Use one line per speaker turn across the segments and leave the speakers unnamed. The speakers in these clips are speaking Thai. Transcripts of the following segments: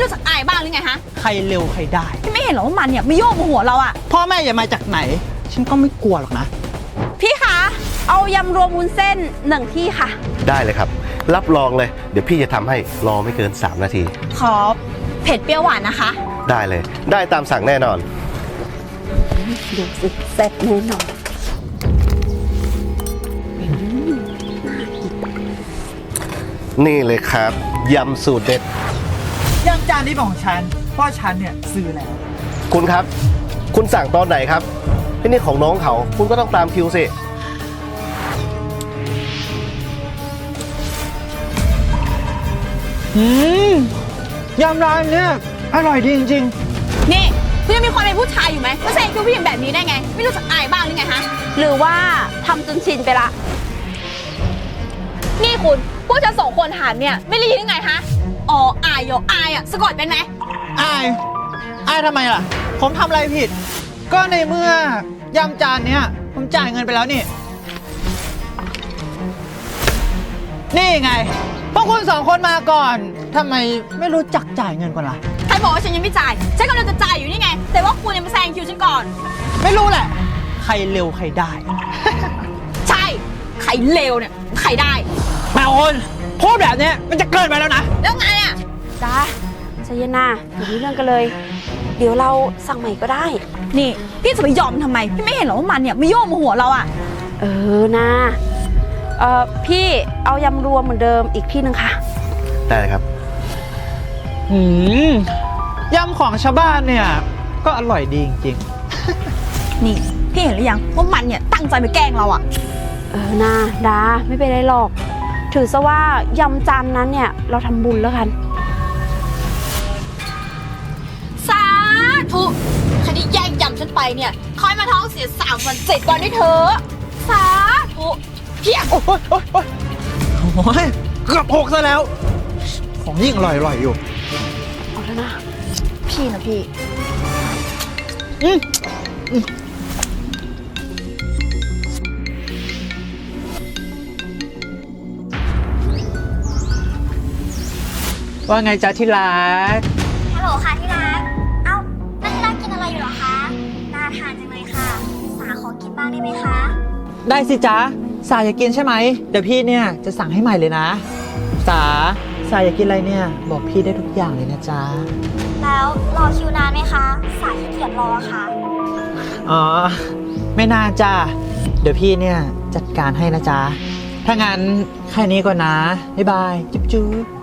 รู้จักอายบ้างหรือไงฮะ
ใครเร็วใครได้
พี่ไม่เห็นหรอว่ามันเนี่ยไม่โยกมาหัวเราอะ
พ่อแม่อย่ามาจากไหนฉันก็ไม่กลัวหรอกนะ
พี่คะเอายำรวมวุ้นเส้น1ที่ค่ะ
ได้เลยครับรับรองเลยเดี๋ยวพี่จะทำให้รอไม่เกิน3 นาที
ขอเผ็ดเปรี้ยวหวานนะคะ
ได้เลยได้ตามสั่งแน่นอน
ดูสิแซ่บแน่นอน
นี่เลยครับยำสูตรเด็ด
ยำจานนี้ของฉันเพราะฉันเนี่ยซื้อแล้ว
คุณครับคุณสั่งตอนไหนครับนี่ของน้องเขาคุณก็ต้องตามคิวสิ
ยำร้านเนี่ยอร่อยดีจริง
ๆนี่คุณยังมีความเป็นผู้ชายอยู่ไหมไม่ใช่คือผู้หญิงแบบนี้ได้ไงไม่รู้จักอายบ้างหรือไงฮะหรือว่าทำจนชินไปละนี่คุณพวกฉัน2 คนหารเนี่ยไม่ได้ยินยังไงฮะอ๋ออายอายอะสะกดเป็นไหม
อายทำไมล่ะผมทำอะไรผิดก็ในเมื่อยำจานเนี้ยผมจ่ายเงินไปแล้วนี่ไงพวกคุณ2 คนมาก่อนทำไมไม่รู้จักจ่ายเงินก่อนล่ะ
ใครบอกว่าฉันยังไม่จ่ายฉันกำลังจะจ่ายอยู่นี่ไงแต่ว่าคุณยังมาแซงคิวฉันก่อน
ไม่รู้แหละใครเร็วใครได้
ใช่ใครเร็วเนี่ยใครได้
แม่คนพูดแบบนี้มันจะเกินไปแล้วนะ
แล้วไงอ่ะ
จ้าใจเย็นนะอย่ามีเรื่องกันเลยเดี๋ยวเราสั่งใหม่ก็ได้
นี่พี่จะไปยอมทำไมพี่ไม่เห็นหรอว่ามันเนี่ยไม่โยกมาหัวเราอ่ะ
นะพี่เอายำรวมเหมือนเดิมอีกที่นึงค่ะ
ได้ครับ
ยำของชาวบ้านเนี่ยก็อร่อยดีจริง
ๆนี่พี่เห็นหรือยังว่ามันเนี่ยตั้งใจไปแกล้งเราอ่ะ
นะดาไม่เป็นไรหรอกถือซะว่ายำจานนั้นเนี่ยเราทำบุญแล้วกัน
สาธุใครที่แย่งยำฉันไปเนี่ยคอยมาท้องเสีย3 วัน7 วันด้วยเธอสาธุเพียง
โอ้ยเกือบ6ซะแล้วของยิ่งอร่อยอยู่
เอาแล้วนะ
พี่นะพี่
ว่าไงจ๊ะที่รัก
ฮัลโหลค่ะที่รักเอ้านั่นที่รักกินอะไรอยู่หรอคะน่าทานจังเลยค่ะสาขอกินบ้างได้ไหมคะ
ได้สิจ๊ะสาอยากกินใช่ไหมเดี๋ยวพี่เนี่ยจะสั่งให้ใหม่เลยนะสาอยากกินอะไรเนี่ยบอกพี่ได้ทุกอย่างเลยนะจ๊ะ
แล้วรอคิวนานไหมคะสาขี้เกียจรอค่ะ
อ๋อไม่นานจ้ะเดี๋ยวพี่เนี่ยจัดการให้นะจ๊ะถ้างั้นแค่นี้ก่อนนะบ๊ายบายจุ๊บจุ๊บ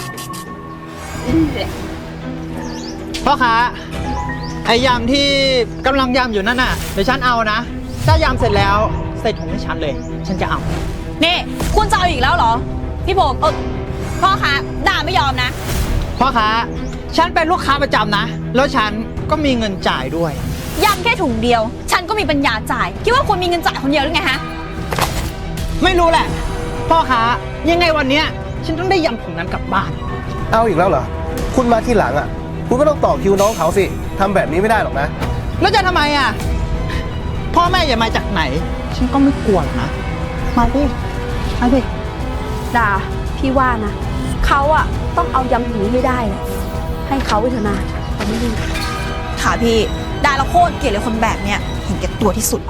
พ่อค้าไอ้ยำที่กำลังยำอยู่นั่นน่ะเดี๋ยวฉันเอานะถ้ายำเสร็จแล้วใส่ถุงให้ฉันเลยฉันจะเอา
นี่คุณจะเอาอีกแล้วเหรอพี่ผมพ่อค้าด่าไม่ยอมนะ
พ่อค้าฉันเป็นลูกค้าประจำนะแล้วฉันก็มีเงินจ่ายด้วย
ยำแค่ถุงเดียวฉันก็มีปัญญาจ่ายคิดว่าคุณมีเงินจ่ายคนเดียวหรือไงฮะ
ไม่รู้แหละพ่อค้ายังไงวันนี้ฉันต้องได้ยำถุงนั้นกลับบ้าน
เอาอีกแล้วเหรอคุณมาที่หลังอ่ะคุณก็ต้องต่อคิวน้องเขาสิทำแบบนี้ไม่ได้หรอกนะ
แล้วจะทำไมอ่ะพ่อแม่อย่ามาจากไหนฉันก็ไม่กลัวหรอกนะมาดิ
ดาพี่ว่านะเขาอะต้องเอายำถุงนี้ให้ได้ให้เขาไปเถอะนะแต่ไม่ดี
ค่ะพี่ด่าเราโคตรเกลียดเลยคนแบบเนี้ยเห็นแก่ตัวที่สุด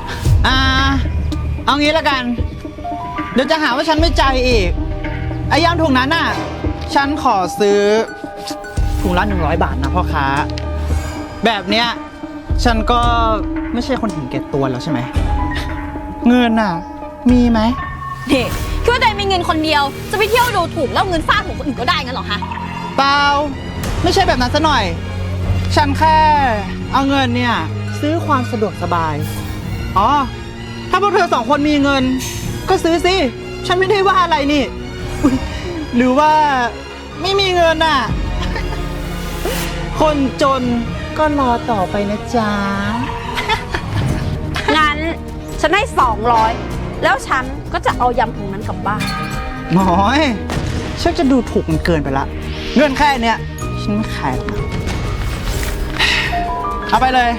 เอางี้ละกันเดี๋ยวจะหาว่าฉันไม่ใจอีกไอ้ยำถุงนั้นน่ะฉันขอซื้อถุงละ100 บาทนะพ่อค้าแบบเนี้ยฉันก็ไม่ใช่คนเห็นแก่ตัวแล้วใช่ไหมเงินน่ะมีไหม
เด็กคิดว่าตัวเองมีเงินคนเดียวจะไปเที่ยวดูถูกแล้วเงินฟาดหัวคนอื่นก็ได้งั้นหรอคะ
เปล่าไม่ใช่แบบนั้นซะหน่อยฉันแค่เอาเงินเนี่ยซื้อความสะดวกสบายอ๋อถ้าพวกเธอ2 คนมีเงินก็ซื้อสิฉันไม่ได้ว่าอะไรนี่หรือว่าไม่มีเงินน่ะคนจนก็รอต่อไปนะจ๊ะ
งั้นฉันให้200แล้วฉันก็จะเอายำถุงนั้นกลับบ้าน
น้อยฉันจะดูถูกมันเกินไปละเงินแค่เนี้ยฉันไม่ขายหรอกนะเอาไปเลย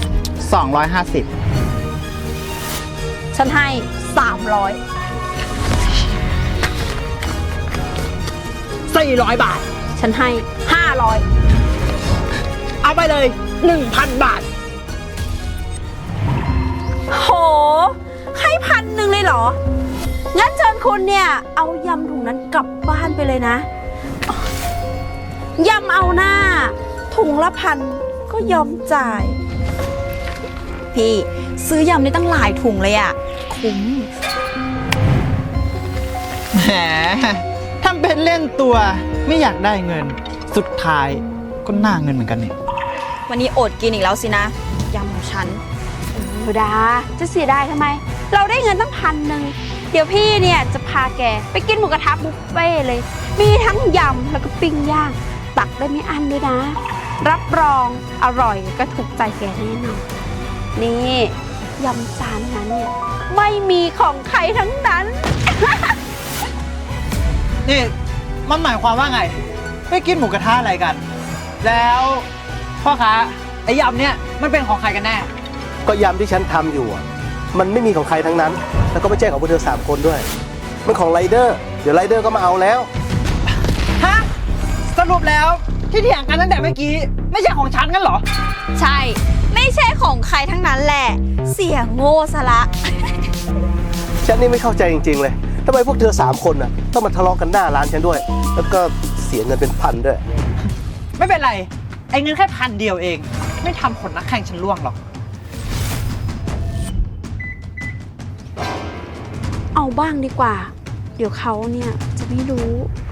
250
ฉันให้300
400 บาท
ฉัฉันให้ 500
เอาไปเลย 1,000 บาท
โห ให้1,000เลยเหรอ งั้นเชิญคุณเนี่ย เอายำถุงนั้นกลับบ้านไปเลยนะ ยำเอาหน้า ถุงละ1,000ก็ยอมจ่าย
พี่ซื้อยำได้ตั้งหลายถุงเลยอะคุ้ม
แหมทำเป็นเล่นตัวไม่อยากได้เงิน สุดท้ายก็น่าเงินเหมือนกันนี่
วันนี้อดกินอีกแล้วสินะ ยำของฉัน
ธรรมดาจะเสียดายทำไม เราได้เงินตั้ง1,000 เดี๋ยวพี่เนี่ยจะพาแกไปกินหมูกระทะบุฟเฟ่เลย มีทั้งยำแล้วก็ปิ้งย่าง ตักได้ไม่อั้นด้วยนะ รับรองอร่อยก็ถูกใจแกแน่นอน นี่ยำจานนั้นเนี่ยไม่มีของใครทั้งนั้น
นี่มันหมายความว่าไงไปกินหมูกระทะอะไรกัน แล้วพ่อค้าไอ้ยำเนี่ยมันเป็นของใครกันแน่
ก็ยำที่ฉันทำอยู่อะมันไม่มีของใครทั้งนั้น แล้วก็ไม่ใช่ของพวกเธอ3 คนด้วย มันของไรเดอร์ เดี๋ยวไรเดอร์ก็มาเอาแล้ว
ฮะ สรุปแล้วที่เถียงกันตั้งแต่เมื่อกี้ ไม่ใช่ของฉันกันเหรอ
ใช่ ไม่ใช่ของใครทั้งนั้นแหละ เสียโง่ซะละ
ฉันนี่ไม่เข้าใจจริงๆเลยทำไมพวกเธอ3 คนน่ะต้องมาทะเลาะกันหน้าร้านฉันด้วย แล้วก็เสียเงินเป็นพันด้วย
ไม่เป็นไร ไอ้เงินแค่1,000เอง ไม่ทำคนนักแข่งฉันล่วงหรอก
เอาบ้างดีกว่า เดี๋ยวเขาเนี่ยจะไม่รู้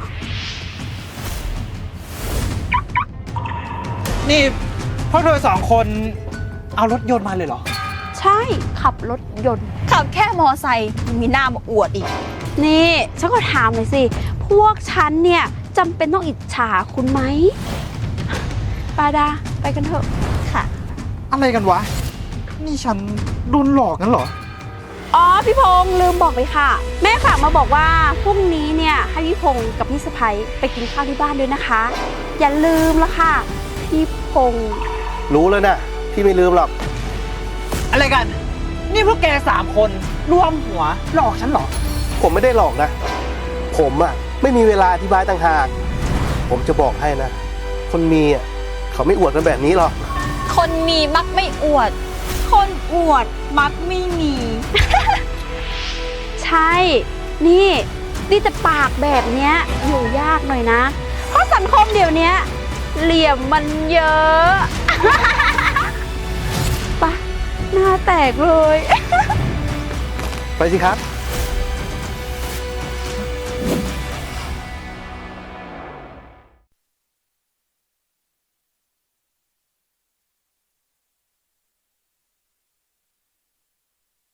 นี่พวกเธอ2 คนเอารถยนต์มาเลยเหรอ
ใช่ขับรถยนต์
ขับแค่มอไซค์ยังมีหน้ามาอวดอีก
นี่ฉันก็ถามหน่อยสิ พวกฉันเนี่ยจำเป็นต้องอิจฉาคุณไหมปาดาไปกันเถอะ
ค่ะ
อะไรกันวะ นี่ฉันโดนหลอกกันเหรอ
อ๋อพี่พงษ์ลืมบอกเลยค่ะ แม่ฝากมาบอกว่าพรุ่งนี้เนี่ยให้พี่พงษ์กับพี่สะพ้ยไปกินข้าวที่บ้านด้วยนะคะ อย่าลืมละค่ะพี่พงษ์
รู้แล้วนะพี่ไม่ลืมหรอก
อะไรกัน นี่พวกแก3 คนรวมหัวหลอกฉันเหรอ
ผมไม่ได้หลอกนะ ผมอะไม่มีเวลาอธิบายต่างหาก ผมจะบอกให้นะ คนมีอะเขาไม่อวดกันแบบนี้หรอก
คนมีมักไม่อวด คนอวดมักไม่มี
ใช่ นี่แต่ปากแบบเนี้ยอยู่ยากหน่อยนะ เพราะสังคมเดี๋ยวนี้เหลี่ยมมันเยอะ ปะหน้าแตกเลย
ไปสิครับ